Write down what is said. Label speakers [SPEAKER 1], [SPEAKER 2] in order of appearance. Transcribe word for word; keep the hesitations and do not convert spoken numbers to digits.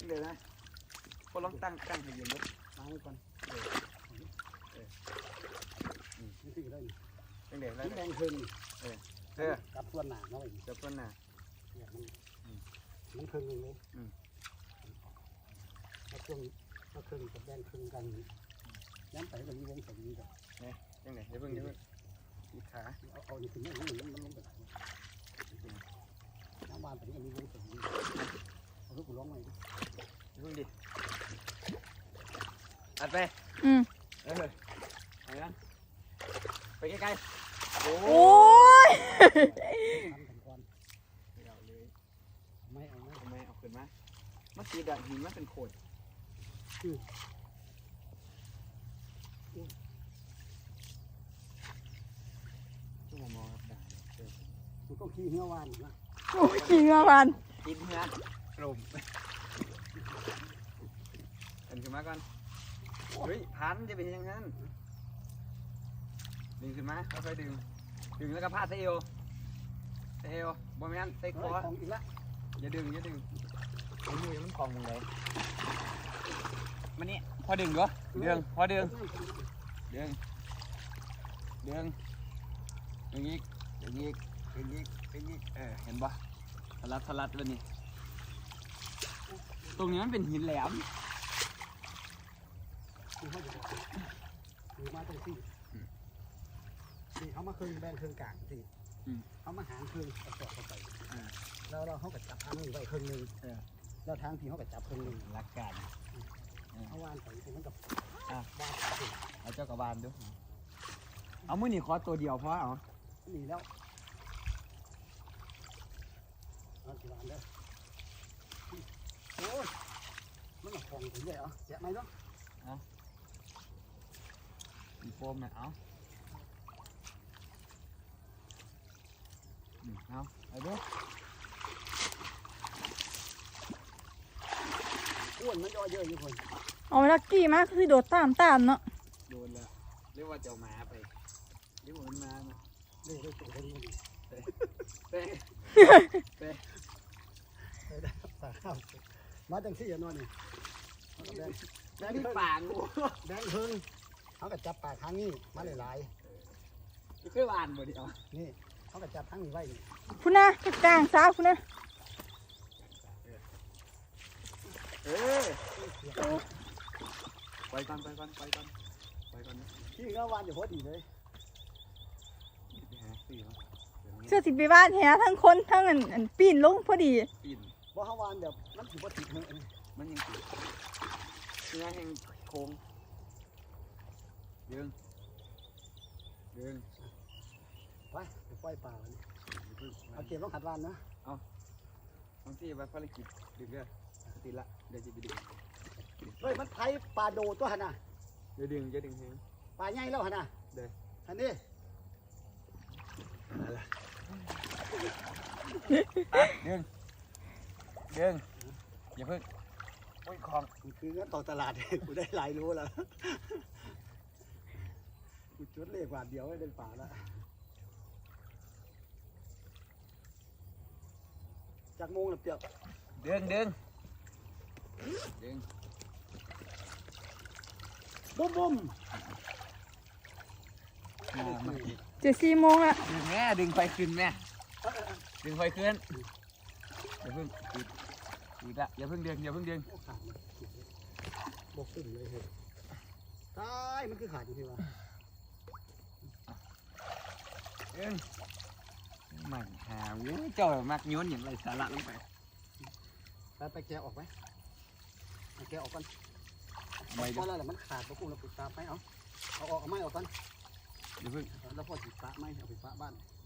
[SPEAKER 1] เดี๋ยวนะพอลองตั้งตั้งให้เย็นดูตั้งไว้ก่อนเออเออนี่คือได้ยังเดี๋ยวแล้วแดงขึ้นเออเออกับส่วนหนาเนาะกับส่วนหนาเนี่ยมันมันครึ่งนึงเลยแล้วครึ่งแล้วครึ่งกับแดงครึ่งกันย้ำไปแบบนี้วงสมนี้กันเนี่ยยังไงเดี๋ยวเพิ่งเดี๋ยวเพิ่งอีขาเอาเอานี่ขึ้นนี่นี่มันลงไปน้ำบานไปนี่มีวงสมนี้เอาลูกกูร้องไงดิเพิ่งดิอัดไปอืมเออไปนะไปใกล้ๆโอ้ยไม่เอาไม่ไม่เอาขึ้นมาเมื่อกี้ดัดหินมันเป็นโขดชั่วโมงมอครับได้มันต้องขี้เหี้ยวานนะ
[SPEAKER 2] โอ้ยขี้เหี้ยวาน
[SPEAKER 1] กินเหี้ยกลุ่มเอ็นขึ้นมาก่อนเฮ้ยพันจะเป็นยังไงดึงขึ้นมาค่อยๆดึงดึงแล้วก็พาดเซลเซลบอมแมนเซ็กคออีกละอย่าดึงอย่าดึงไอ้มือมันกองเลยมันนี่พอดึงด้วยดึงพอดึงดึงดึงดึงอีกดึงอีกดึงอีกดึงอีกเออเห็นปะทะลัดทะลัดเลยนี่ตรงนี้มันเป็นหินแหลมคือมาตรงที่ที่เขามาเครื่องแบนเครื่องกลางสิเขามาหางเครื่องกระสอบเข้าไปแล้วเราเขาก็จับทางนี้ไว้เครื่องนึงแล้วทางที่เขาก็จับเครื่องนึงรักกันเขาวานไปมันกับวานเอาเจ้ากระบาลด้วยเอามือหนีคอตัวเดียวเพราะเอาหนีแล้วเอากระบาลได้โอ้ยมันหนักของถึงเลยเหรอแกะไหมเนาะเอามีโฟมไหมเอาเอาไปดูอ้วนมันย่อเยอะอยู่คน
[SPEAKER 2] เอาลักกี้มากคือโดดตามตามเนาะ
[SPEAKER 1] โดนแล้วเรียกว่าเจ้าหมาไปเรียกว่ามันมาเรียกว่าตัวคนนี้เต้เต้เต้เต้ได้ปากข้าวมาจังสี่อย่านอนนี่แดงแดงที่ปากงูแดงเพิ่งเขาก็จับปากทางนี้มาหลายๆคือวานบ่ดิอ๋อนี่เขาก็จับทางนี้ไว้
[SPEAKER 2] คุณนะกระจางสาวคุณนะ
[SPEAKER 1] เออไปก่อนไปก่อนไปก่อนไปก่อนที่ก็วานอยู่พอดีเลย
[SPEAKER 2] เสื้อสิบปีบ้านแฮทั้งคนทั้งอันปีนลงพอดี
[SPEAKER 1] ปีนเพราะเขาวานแบบมันถือว่าติดเลยมันยังติดเนื้อแห้งโค้งดึงดึงไปไปปล่อยปลาเอาเก็บต้องขัดวานนะเอาบางที่ไปภารกิจดึงเด้อติดละเดี๋ยวจะไปดึงเฮ้ยมันไถปลาโดตัวหันน่ะเดี๋ยวดึงจะดึงแห้งปลาใหญ่แล้วหันน่ะเดี๋ยวหันนี่อะไรดึงดึงอย่าเพิ่งโอ้ยของคืองั้นต่อตลาดกูได้หลายรู้แล้วกูจุดเลขบาทเดียวให้เป็นป่าแล้วจากโมงหรือเปล่าดึงดึงดึงบุ้มบุ้ม
[SPEAKER 2] เจ็ดสี่โมงละ
[SPEAKER 1] ดึงแม่ดึงไฟขึ้นแม่ดึงไฟขึ้นอย่าเพิ่งติดติดละอย่าเพิ่งดึงอย่าเพิ่งดึงบกขึ้นเลยเฮ้ยตายมันคือขาดอยู่ที่ว่าเอ็งมันหาวิเจ้ามักโยนอย่างไรสาระลงไปไปไปแกะออกไหมแกะออกก่อนไม่ได้แล้วมันขาดพวกกูเราปิดตาไปเอาเอาออกเอาไม้ออกก่อนเดี๋ยวเพิ่งแล้วพอติดตาไม้เอาไปปะบ้าน